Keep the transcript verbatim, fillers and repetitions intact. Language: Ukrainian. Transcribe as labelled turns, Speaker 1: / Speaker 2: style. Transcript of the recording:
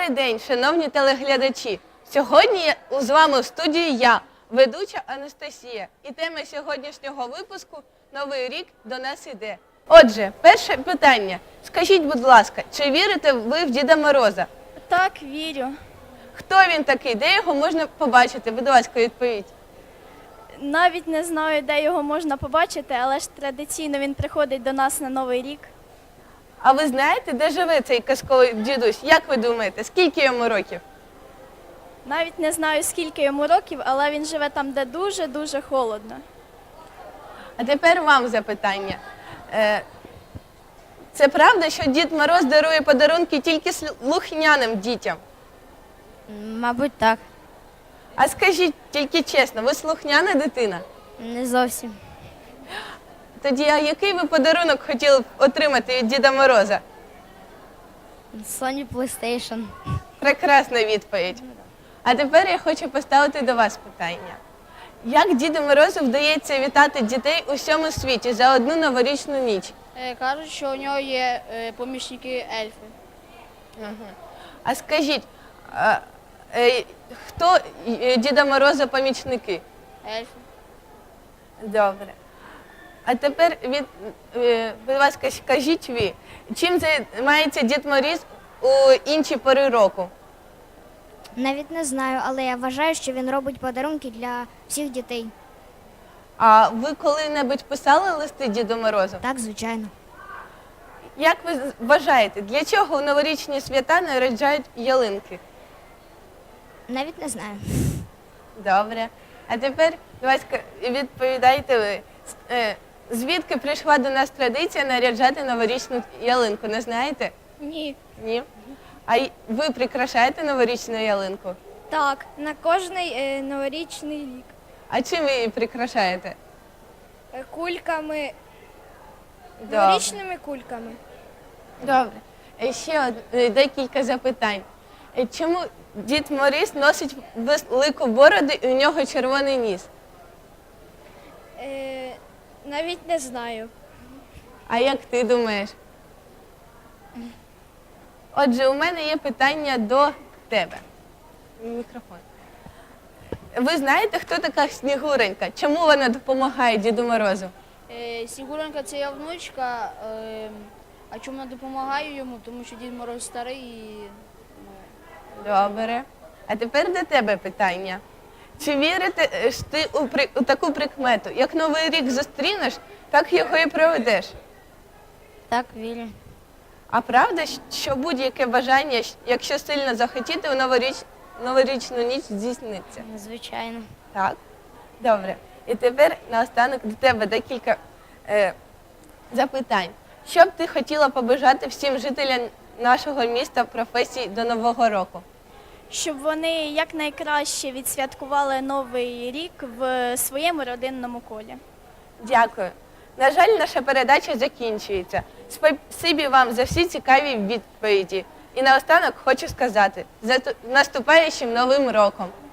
Speaker 1: Добрий день, шановні телеглядачі! Сьогодні я- з вами в студії я, ведуча Анастасія. І тема сьогоднішнього випуску «Новий рік до нас іде». Отже, перше питання. Скажіть, будь ласка, чи вірите ви в Діда Мороза?
Speaker 2: Так, вірю.
Speaker 1: Хто він такий? Де його можна побачити? Будь ласка, відповідь.
Speaker 2: Навіть не знаю, де його можна побачити, але ж традиційно він приходить до нас на Новий рік.
Speaker 1: А ви знаєте, де живе цей казковий дідусь? Як ви думаєте, скільки йому років?
Speaker 2: Навіть не знаю, скільки йому років, але він живе там, де дуже-дуже холодно.
Speaker 1: А тепер вам запитання. Е, Це правда, що Дід Мороз дарує подарунки тільки слухняним дітям?
Speaker 3: Мабуть, так.
Speaker 1: А скажіть тільки чесно, ви слухняна дитина?
Speaker 3: Не зовсім.
Speaker 1: Тоді, а який ви подарунок хотіли б отримати від Діда Мороза?
Speaker 3: Sony PlayStation.
Speaker 1: Прекрасна відповідь. А тепер я хочу поставити до вас питання. Як Діду Морозу вдається вітати дітей у всьому світі за одну новорічну ніч?
Speaker 4: Е, Кажуть, що у нього є е, помічники ельфи.
Speaker 1: А скажіть, а, е, хто е, Діда Мороза помічники?
Speaker 4: Ельфи.
Speaker 1: Добре. А тепер, від, е, будь ласка, скажіть ви, чим займається Дід Мороз у інші пори року?
Speaker 5: Навіть не знаю, але я вважаю, що він робить подарунки для всіх дітей.
Speaker 1: А ви коли-небудь писали листи Діду Морозу?
Speaker 5: Так, звичайно.
Speaker 1: Як ви вважаєте, для чого у новорічні свята наряджають ялинки?
Speaker 5: Навіть не знаю.
Speaker 1: Добре. А тепер, будь ласка, відповідайте ви. Е, Звідки прийшла до нас традиція наряджати новорічну ялинку, не знаєте?
Speaker 2: Ні.
Speaker 1: Ні? А й- ви прикрашаєте новорічну ялинку?
Speaker 2: Так, на кожний е, новорічний рік.
Speaker 1: А чим ви її прикрашаєте?
Speaker 2: Е, Кульками,
Speaker 1: Добре.
Speaker 2: новорічними кульками.
Speaker 1: Добре. Е, Ще од- е, декілька запитань. Е, Чому Дід Мороз носить велику бороду і у нього червоний ніс?
Speaker 2: Е, навіть не знаю.
Speaker 1: А як ти думаєш? Отже, у мене є питання до тебе. Мікрофон. Ви знаєте, хто така Снігуренька? Чому вона допомагає Діду Морозу?
Speaker 4: Е, Снігуренька – це я внучка. Е, а чому я допомагаю йому? Тому що Дід Мороз старий і
Speaker 1: Добре. А тепер до тебе питання. Чи вірите е, ж ти у, при... у таку прикмету? Як Новий рік зустрінеш, так його і проведеш.
Speaker 3: Так, вірю.
Speaker 1: А правда, що будь-яке бажання, якщо сильно захотіти, у новоріч... новорічну ніч здійсниться?
Speaker 3: Звичайно.
Speaker 1: Так. Добре. І тепер наостанок до тебе декілька е, запитань. Що б ти хотіла побажати всім жителям нашого міста професій до Нового року?
Speaker 2: Щоб вони якнайкраще відсвяткували Новий рік в своєму родинному колі.
Speaker 1: Дякую. На жаль, наша передача закінчується. Спасибі вам за всі цікаві відповіді. І наостанок хочу сказати, з наступаючим Новим роком!